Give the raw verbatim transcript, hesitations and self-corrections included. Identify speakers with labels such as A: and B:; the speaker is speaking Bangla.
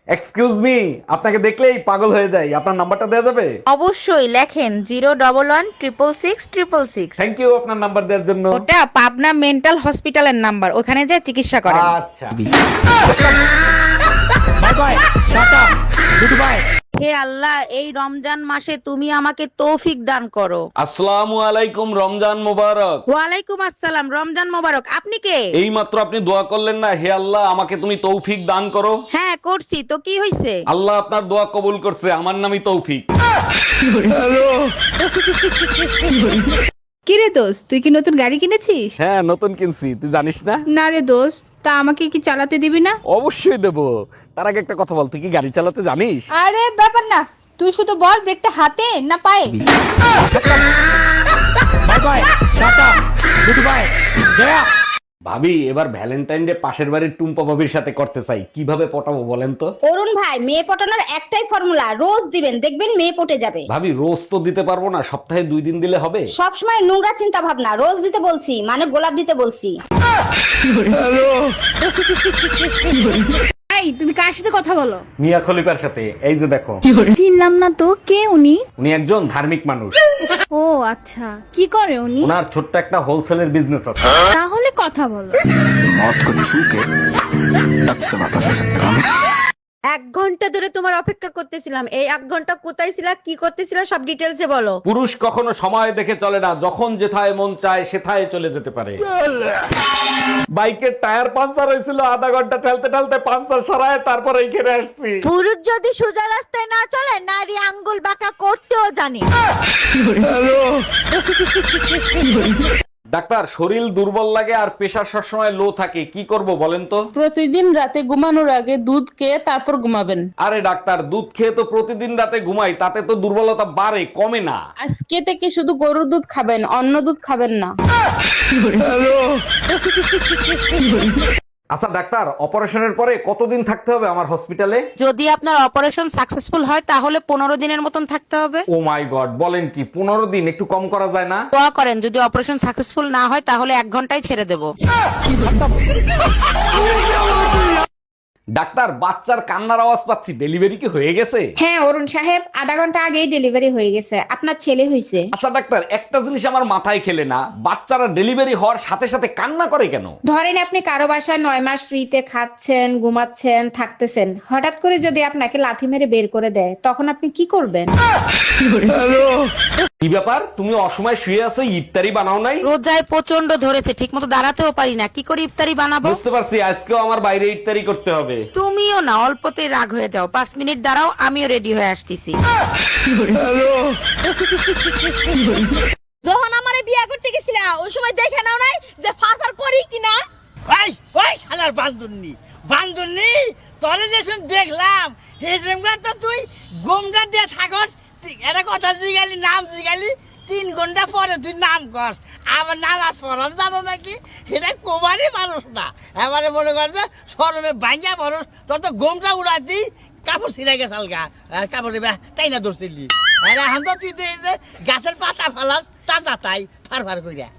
A: এক্সকিউজ মি, আপনাকে দেখলেই পাগল হয়ে যাই। আপনার নাম্বারটা দেওয়া যাবে?
B: অবশ্যই লেখেন zero double one triple six triple six.
A: Thank you আপনার নাম্বার দেওয়ার জন্য।
B: ওটা পাবনা মেন্টাল হসপিটালের নাম্বার, ওখানে যে চিকিৎসা করেন।
A: আচ্ছা।
C: Bye bye, tata, good bye.
B: হে আল্লাহ, এই রমজান মাসে তুমি আমাকে তৌফিক দান করো।
A: আসসালামু আলাইকুম, রমজান মোবারক।
B: ওয়ালাইকুম আসসালাম, রমজান মোবারক। আপনি কে?
A: এই মাত্র আপনি দোয়া করলেন না, হে আল্লাহ আমাকে তুমি তৌফিক দান করো।
B: হ্যাঁ করছি তো, কি হয়েছে?
A: আল্লাহ আপনার দোয়া কবুল করছে, আমার নামই তৌফিক।
D: কি রে দোস্ত, তুই কি নতুন গাড়ি কিনেছিস?
A: হ্যাঁ নতুন কিনছি, তুই জানিস না?
D: না রে দোস্ত, তা আমাকে কি চালাতে দিবি না?
A: অবশ্যই দেবো। তার আগে একটা কথা বল, তুই কি গাড়ি চালাতে জানিস?
D: আরে ব্যাপার না, তুই শুধু বল ব্রেকটা হাতে না পায়ে।
C: Bye bye, tata, good bye, গয়া।
A: ভাবি, এবার ভ্যালেন্টাইন ডে পাশের বাড়ির টুম্পা ভাবির সাথে করতে চাই, কিভাবে পটাবো বলেন তো?
E: অরুণ ভাই, মেয়ে পটানোর একটাই ফর্মুলা, রোজ দিবেন, দেখবেন মেয়ে পটে যাবে।
A: ভাবি রোজ তো দিতে পারবো না, সপ্তাহে দুই দিন দিলে হবে?
E: সবসময় নোংরা চিন্তা ভাবনা, রোজ দিতে বলছি মানে গোলাপ দিতে বলছি।
D: এই তুমি কার সাথে কথা বলো?
A: মিয়া খলিফার সাথে। এই যে দেখো।
D: চিনলাম না তো, কে উনি?
A: উনি একজন ধার্মিক মানুষ।
D: ও আচ্ছা, কি করে উনি?
A: ওনার ছোট্ট একটা হোলসেলের বিজনেস আছে।
D: তাহলে কথা বলো।
F: मौत को छू के टक से वापस आ सकता हूँ।
G: এক ঘন্টা ধরে তোমার অপেক্ষা করতেছিলাম। এই এক ঘন্টা কোথায় ছিলা, কি করতেছিলা, সব ডিটেলসে বলো।
A: পুরুষ কখনো সময় দেখে চলে না, যখন যেথায় মন চায় সেথায় চলে যেতে পারে। বাইকের টায়ার পাঞ্চার হয়েছিল, আধা ঘন্টা ঠেলতে ঠেলতে পাঞ্চার সারায় তারপর এইখানে আসছি।
G: পুরুষ যদি সোজা রাস্তায় না চলে, নারী আঙ্গুল বাঁকা করতেও জানে।
A: ডাক্তার, শরীর দুর্বল লাগে আর প্রেশার সবসময় লো থাকে, কি করব বলেন তো?
H: প্রতিদিন রাতে ঘুমানোর আগে দুধ খেয়ে তারপর ঘুমাবেন।
A: আরে ডাক্তার, দুধ খেয়ে তো প্রতিদিন রাতে ঘুমাই, তাতে তো দুর্বলতা বাড়ে কমে না।
H: আজকে থেকে শুধু গরুর দুধ খাবেন, অন্য দুধ খাবেন না।
A: আচ্ছা ডাক্তার, অপারেশনের পরে কতদিন থাকতে হবে আমার হসপিটালে?
B: যদি আপনার অপারেশন সাকসেসফুল হয় তাহলে পনেরো দিনের মতন থাকতে হবে।
A: ও মাই গড, বলেন কি? পনেরো দিন? একটু কম করা যায় না?
B: দোয়া করেন, যদি অপারেশন সাকসেসফুল না হয় তাহলে এক ঘন্টায় ছেড়ে দেবো।
A: ডাক্তার, বাচ্চার কান্নার আওয়াজ পাচ্ছি, ডেলিভারি কি হয়ে গেছে?
D: হ্যাঁ অরুণ সাহেব, আধা ঘন্টা আগেই ডেলিভারি হয়ে গেছে, আপনার ছেলে হয়েছে।
A: আচ্ছা ডাক্তার, একটা জিনিস আমার মাথায় খেলে না, বাচ্চারা ডেলিভারি হওয়ার সাথে সাথে কান্না করে কেন?
D: ধরেন আপনি কারো বাসায় নয় মাস ফ্রিতে খাচ্ছেন, ঘুমাচ্ছেন, থাকতেছেন, হঠাৎ করে যদি আপনাকে লাথি মেরে বের করে দেয়, তখন আপনি কি করবেন?
A: কি ব্যাপার, তুমি অসময় শুয়ে আছো, ইফতারি বানাও নাই?
B: রোজায় প্রচন্ড ধরেছে, ঠিক মতো দাঁড়াতেও পারি না, কি করে ইফতারি বানাবো?
A: বুঝতে পারছি, আজকেও আমার বাইরে ইফতারি করতে হবে।
B: তুমিও না অল্পতেই রাগ হয়ে যাও, পাঁচ মিনিট দাঁড়াও, আমিও রেডি হয়ে আসতেছি।
G: যখন আমারে বিয়ে করতে গেছিলা, ওই সময় দেখে নাও নাই যে ফারফার করি কিনা?
I: ওই ওই শালার বান্দুন্নি বান্দুন্নি, তোরে যেসব দেখলাম সেসব তো তুই গোমটা দিয়ে থাকস। এটা কথা জিগালি, নাম জিগালি, তিন ঘন্টা পরে তুই নাম কস, আবার নামাজ পড়ার জানো নাকি? এটা কোবারই মানুষ না, এবারে মনে কর যে শরমে ভাঙ্গা মানুষ। তোর তো গোমটা উড়াতি কাপড় ছিঁড়ে গেছে আলগা, আর কাপড় তাই না ধরছিলি। আর এখন তো তুই যে গাছের পাতা ফালাস তাজা তাই ফার ফার কইরা।